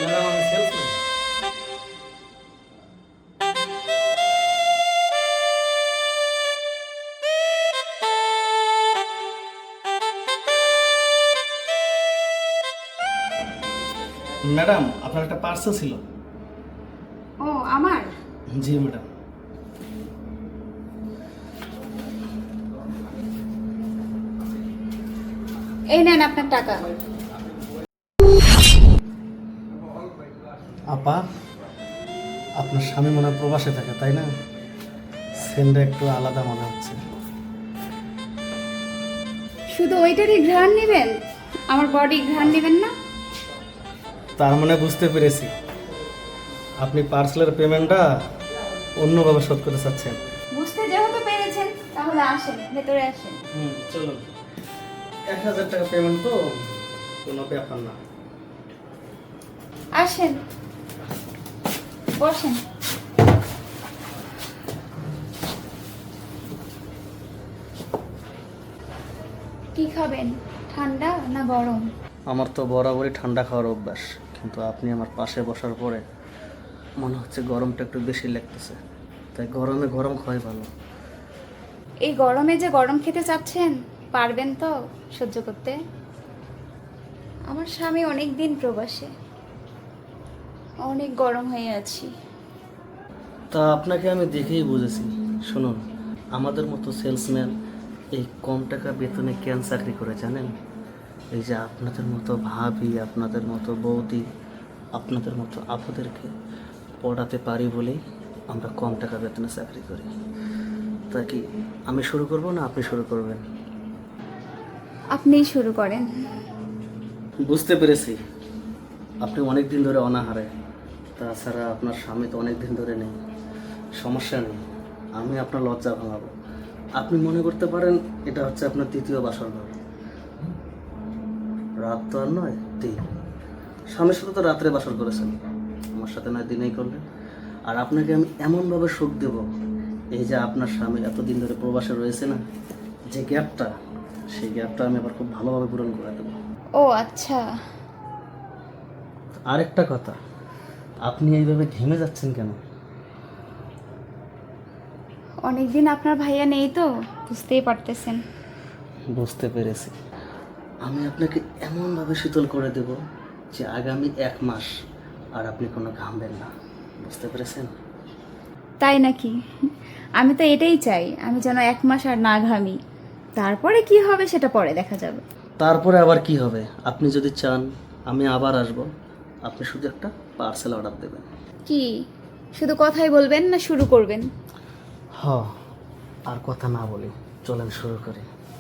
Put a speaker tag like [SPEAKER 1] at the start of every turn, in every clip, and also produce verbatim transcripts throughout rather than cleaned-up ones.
[SPEAKER 1] Madam আমি salesman. Madam আপনার একটা পার্সেল ছিল।
[SPEAKER 2] ও আমার
[SPEAKER 1] জি ম্যাডাম।
[SPEAKER 2] এই নেন আপনার টাকা।
[SPEAKER 1] আপা আপনার স্বামী মনে হয় প্রবাসে থাকে তাই না? সেন্ডটা একটু আলাদা মনে হচ্ছে।
[SPEAKER 2] শুধু ওইটারই ঘ্রাণ নেবেন, আমার বডি ঘ্রাণ নেবেন না?
[SPEAKER 1] তার মানে বুঝতে পেরেছি আপনি পার্সেলের পেমেন্টটা অন্যভাবে শোধ করতে চাচ্ছেন।
[SPEAKER 2] বুঝতে যেহেতু পেরেছেন তাহলে আসেন, ভেতরে আসেন।
[SPEAKER 1] হুম চলুন। এক হাজার টাকা পেমেন্ট তো কোনো ব্যাপার না।
[SPEAKER 2] আসেন, বসেন। কি খাবেন, ঠান্ডা না গরম?
[SPEAKER 1] আমার তো বরাবরই ঠান্ডা খাওয়ার অভ্যাস, কিন্তু আপনি আমার পাশে বসার পরে মনে হচ্ছে গরমটা একটু বেশি লাগতেছে, তাই গরমে গরম খাওয়াই ভালো।
[SPEAKER 2] এই গরমে যে গরম খেতে চাচ্ছেন, পারবেন তো সহ্য করতে? আমার স্বামী অনেক দিন প্রবাসে, অনেক গরম হয়ে আছি।
[SPEAKER 1] তা আপনাকে আমি দেখেই বুঝেছি। শুনুন, আমাদের মতো সেলসম্যান এই কম টাকা বেতনে কেন চাকরি করে জানেন? এই যে আপনাদের মতো ভাবি, আপনাদের মতো বৌদি, আপনাদের মতো আপুদেরকে পড়াতে পারি বলেই আমরা কম টাকা বেতনে চাকরি করি। তা কি আমি শুরু করব না আপনি শুরু করবেন?
[SPEAKER 2] আপনিই শুরু করেন।
[SPEAKER 1] বুঝতে পেরেছি আপনি অনেক দিন ধরে অনাহারে, তাছাড়া আপনার স্বামী তো অনেক দিন ধরে নেই। সমস্যা নেই, আমি আপনার লজ্জা ভাঙাবো। আপনি মনে করতে পারেন এটা হচ্ছে আপনার তৃতীয় বাসর ঘর। রাত তো আর নয়, দিন। স্বামীর সাথে তো রাত্রে বাসর করেছেন, আমার সাথে নয় দিনেই করলেন। আর আপনাকে আমি এমনভাবে সুখ দেব, এই যে আপনার স্বামী এতদিন ধরে প্রবাসে রয়েছে না, যে গ্যাপটা, সেই গ্যাপটা আমি আবার খুব ভালোভাবে পূরণ করে দেবো।
[SPEAKER 2] ও আচ্ছা।
[SPEAKER 1] আরেকটা কথা, আপনি এইভাবে ঘেমে যাচ্ছেন কেন?
[SPEAKER 2] অনেকদিন আপনার ভাইয়া নেই তো, বুঝতেই পারতেছেন।
[SPEAKER 1] বুঝতে পেরেছি, আমি আপনাকে এমনভাবে শীতল করে দেব যে আগামী এক মাস আর আপনি কোনো ঘামবেন না। বুঝতে পেরেছেন?
[SPEAKER 2] তাই নাকি? আমি তো এটাই চাই, আমি যেন এক মাস আর না ঘামি। তারপরে কি হবে সেটা পরে দেখা যাবে।
[SPEAKER 1] তারপরে আবার কি হবে? আপনি যদি চান আমি আবার আসব, আপনি শুধু একটা পার্সেল অর্ডার দেবেন।
[SPEAKER 2] কি শুধু কথাই বলবেন না শুরু করবেন?
[SPEAKER 1] হ, আর কথা না বলি, চলেন শুরু করি।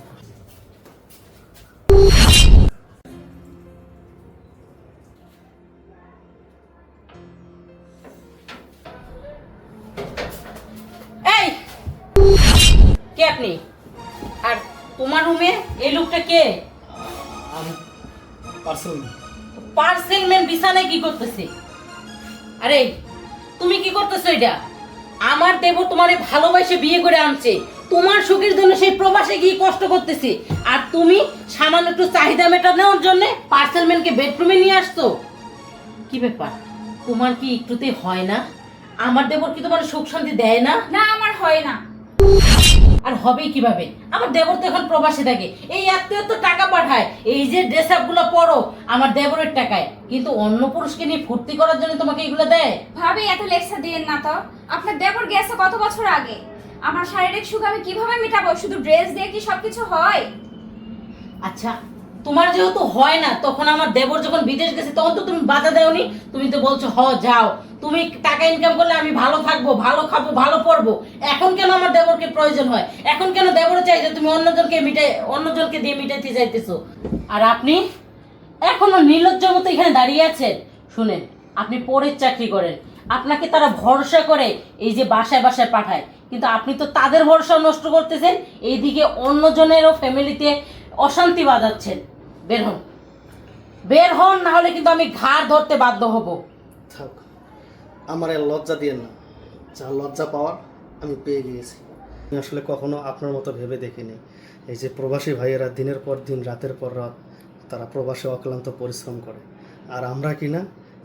[SPEAKER 3] এই কে আপনি? আর তোমার রুমে এই লোকটা কে?
[SPEAKER 1] আমি পার্সেল।
[SPEAKER 3] পার্সেল ম্যান বিছানায় কি করতেছে? আরে তুমি কি করতেছো এটা? আমার দেব তোমারে ভালোবাসে বিয়ে করে আনছে, তোমার সুখের জন্য সেই প্রবাসে গিয়ে কষ্ট করতেছে, আর তুমি সামান্য একটু চাহিদা মেটানোর জন্য পার্সেল ম্যানকে বেডরুমে নিয়ে আসছো। কি ব্যাপার, তোমার কি একটুতে হয় না? আমার দেবর কি তোমার সুখ শান্তি দেয় না?
[SPEAKER 2] না, আমার হয় না।
[SPEAKER 3] আর হবেই কিভাবে? আমার দেবর তো এখন প্রবাসে থাকে, এই আত্মীয় তো টাকা পাঠায়, এই যে ড্রেস আপ গুলো পরো আমার দেবরের টাকায়, কিন্তু অন্য পুরুষকে নিয়ে ফুর্তি করার জন্য তোমাকে এগুলো দেয়?
[SPEAKER 2] ভাবি এত লেকচার দিয়েন না তো। আপনার দেবর গেছে কত বছর আগে, আমার শারীরিক সুখ আমি কিভাবে মেটাবো? শুধু ড্রেস দিয়ে কি সবকিছু হয়?
[SPEAKER 3] আচ্ছা, তোমার যেহেতু হয় না, তখন আমার দেবর যখন বিদেশ গেছে তখন তো তুমি বাধা দেওনি, তুমি তো বলছো হ যাও, তুমি টাকা ইনকাম করলে আমি ভালো থাকবো, ভালো খাবো, ভালো পড়বো। এখন কেন আমার দেবরকে প্রয়োজন হয়? এখন কেন দেবর চাই যে তুমি অন্যজনকে মিটাই অন্যজনকে দিয়ে মিটাইতে যাইতেছো? আর আপনি এখনো নির্লজ্জের মতো এখানে দাঁড়িয়ে আছেন। শুনেন, আপনি পরের চাকরি করেন, আপনাকে তারা ভরসা করে এই যে বাসায় বাসায় পাঠায়, কিন্তু আপনি তো তাদের ভরসা নষ্ট করতেছেন, এইদিকে অন্যজনেরও ফ্যামিলিতে অশান্তি বাজাচ্ছেন। বের হন, বের হন, না হলে কিন্তু আমি ঘাড় ধরতে বাধ্য হব।
[SPEAKER 1] থাক, আমার আর লজ্জা দিয়েন না, যা লজ্জা পাওয়ার আমি পেয়ে গিয়েছি। আমি আসলে কখনো আপনার মতো ভেবে দেখিনি, এই যে প্রবাসী ভাইয়েরা দিনের পর দিন রাতের পর রাত তারা প্রবাসে অক্লান্ত পরিশ্রম করে, আর আমরা কি না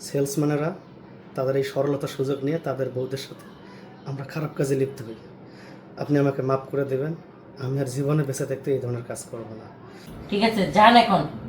[SPEAKER 1] সেলসম্যানেরা তাদের এই সরলতার সুযোগ নিয়ে তাদের বউদের সাথে আমরা খারাপ কাজে লিপ্ত হই। আপনি আমাকে মাফ করে দেবেন, আমি আর জীবনে বেঁচে থাকতে এই ধরনের কাজ করবো না।
[SPEAKER 3] ঠিক আছে, যান এখন।